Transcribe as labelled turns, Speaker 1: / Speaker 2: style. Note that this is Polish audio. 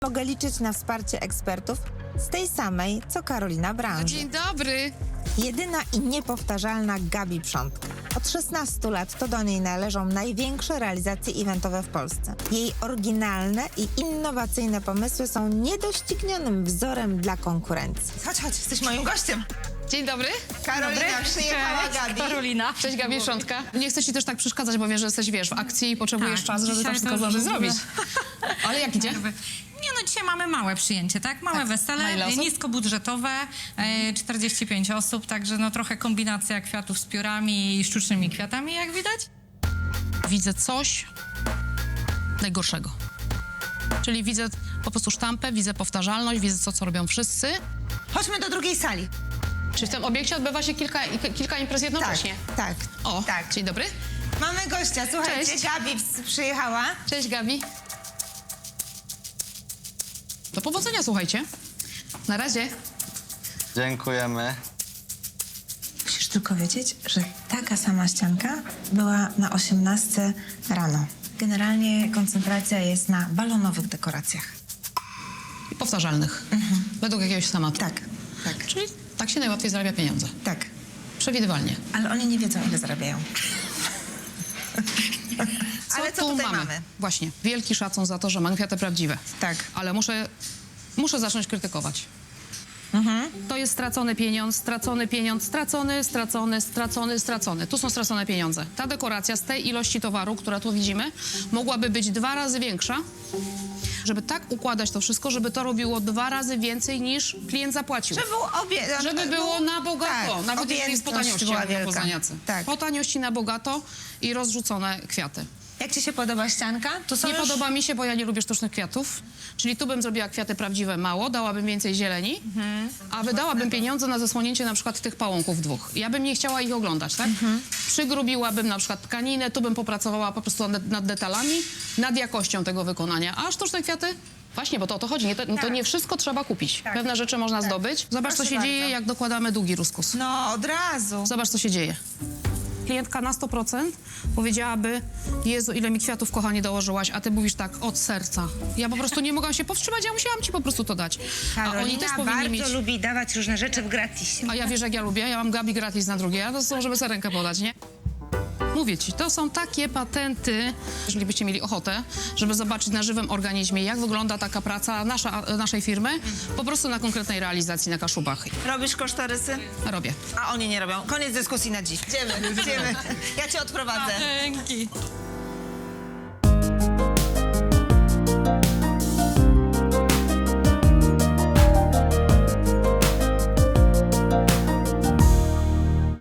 Speaker 1: Mogę liczyć na wsparcie ekspertów z tej samej, co Karolina branży.
Speaker 2: Dzień dobry.
Speaker 1: Jedyna i niepowtarzalna Gabi Przątka. Od 16 lat to do niej należą największe realizacje eventowe w Polsce. Jej oryginalne i innowacyjne pomysły są niedoścignionym wzorem dla konkurencji.
Speaker 3: Chodź, jesteś moim gościem.
Speaker 2: Dzień dobry.
Speaker 3: Karolina, przyjechała Gabi.
Speaker 4: Karolina.
Speaker 2: Cześć Gabi Szątka. Nie chcę ci też tak przeszkadzać, bo wiem, że jesteś, w akcji i potrzebujesz
Speaker 4: Tak,
Speaker 2: czasu, żeby to
Speaker 4: dzisiaj
Speaker 2: wszystko
Speaker 4: to już
Speaker 2: zdążyć
Speaker 4: w ogóle-
Speaker 2: zrobić. Ale jak idzie?
Speaker 4: Nie no, dzisiaj mamy małe przyjęcie, tak? Małe
Speaker 2: Na ile
Speaker 4: wesele,
Speaker 2: osób?
Speaker 4: niskobudżetowe, 45 osób, także no trochę kombinacja kwiatów z piórami i sztucznymi kwiatami, jak widać.
Speaker 2: Widzę coś najgorszego. Czyli widzę po prostu sztampę, widzę powtarzalność, widzę to, co robią wszyscy.
Speaker 3: Chodźmy do drugiej sali.
Speaker 2: Czy w tym obiekcie odbywa się kilka imprez jednocześnie?
Speaker 1: Tak.
Speaker 2: O,
Speaker 3: tak.
Speaker 2: Dzień dobry.
Speaker 3: Mamy gościa, słuchajcie,
Speaker 2: Cześć.
Speaker 3: Gabi przyjechała.
Speaker 2: Cześć Gabi. Do powodzenia, słuchajcie. Na razie.
Speaker 5: Dziękujemy.
Speaker 1: Musisz tylko wiedzieć, że taka sama ścianka była na 18 rano. Generalnie koncentracja jest na balonowych dekoracjach.
Speaker 2: I powtarzalnych. Według jakiegoś schematu.
Speaker 1: Tak, tak,
Speaker 2: Czyli tak się najłatwiej zarabia pieniądze.
Speaker 1: tak.
Speaker 2: Przewidywalnie.
Speaker 1: Ale oni nie wiedzą, ile zarabiają.
Speaker 3: Ale co
Speaker 2: tu
Speaker 3: tutaj mamy?
Speaker 2: Właśnie, wielki szacun za to, że mam kwiaty prawdziwe.
Speaker 1: Tak.
Speaker 2: Ale muszę zacząć krytykować. To jest stracony pieniądz, stracony. Tu są stracone pieniądze. Ta dekoracja z tej ilości towaru, która tu widzimy, mogłaby być 2 razy większa, żeby tak układać to wszystko, żeby to robiło 2 razy więcej niż klient zapłacił. Żeby było na bogato.
Speaker 1: Tak,
Speaker 2: Nawet jeśli jest po
Speaker 1: objętość
Speaker 2: taniości,
Speaker 1: była
Speaker 2: jak mówią
Speaker 1: wielka.
Speaker 2: poznaniacy.
Speaker 1: Tak.
Speaker 2: Po taniości na bogato i rozrzucone kwiaty.
Speaker 3: Jak ci się podoba ścianka? Tu są
Speaker 2: Nie
Speaker 3: już...
Speaker 2: podoba mi się, bo ja nie lubię sztucznych kwiatów. Czyli tu bym zrobiła kwiaty prawdziwe mało, dałabym więcej zieleni, a wydałabym pieniądze na zasłonięcie na przykład tych pałąków 2. Ja bym nie chciała ich oglądać, tak? Przygrubiłabym na przykład tkaninę, tu bym popracowała po prostu nad detalami, nad jakością tego wykonania. A sztuczne kwiaty? Właśnie, bo to o to chodzi. To nie wszystko trzeba kupić. Pewne rzeczy można zdobyć. Zobacz, co
Speaker 3: Proszę
Speaker 2: się dzieje,
Speaker 3: bardzo.
Speaker 2: jak dokładamy długi ruskus.
Speaker 3: No, od razu.
Speaker 2: Zobacz, co się dzieje. Klientka na 100% powiedziałaby: Jezu, ile mi kwiatów, kochanie, dołożyłaś, a ty mówisz tak, od serca. Ja po prostu nie mogłam się powstrzymać, ja musiałam ci po prostu to dać. A oni też powinni
Speaker 3: bardzo
Speaker 2: mieć...
Speaker 3: lubi dawać różne rzeczy w gratisie.
Speaker 2: A ja wiesz, jak ja lubię? Ja mam Gabi gratis na drugie, a to są, żeby sobie rękę podać, nie? Mówię ci, to są takie patenty, jeżeli byście mieli ochotę, żeby zobaczyć na żywym organizmie, jak wygląda taka praca naszej firmy, po prostu na konkretnej realizacji na Kaszubach.
Speaker 3: Robisz kosztorysy?
Speaker 2: Robię.
Speaker 3: A oni nie robią. Koniec dyskusji na dziś. Idziemy. Ja cię odprowadzę.
Speaker 4: Dzięki.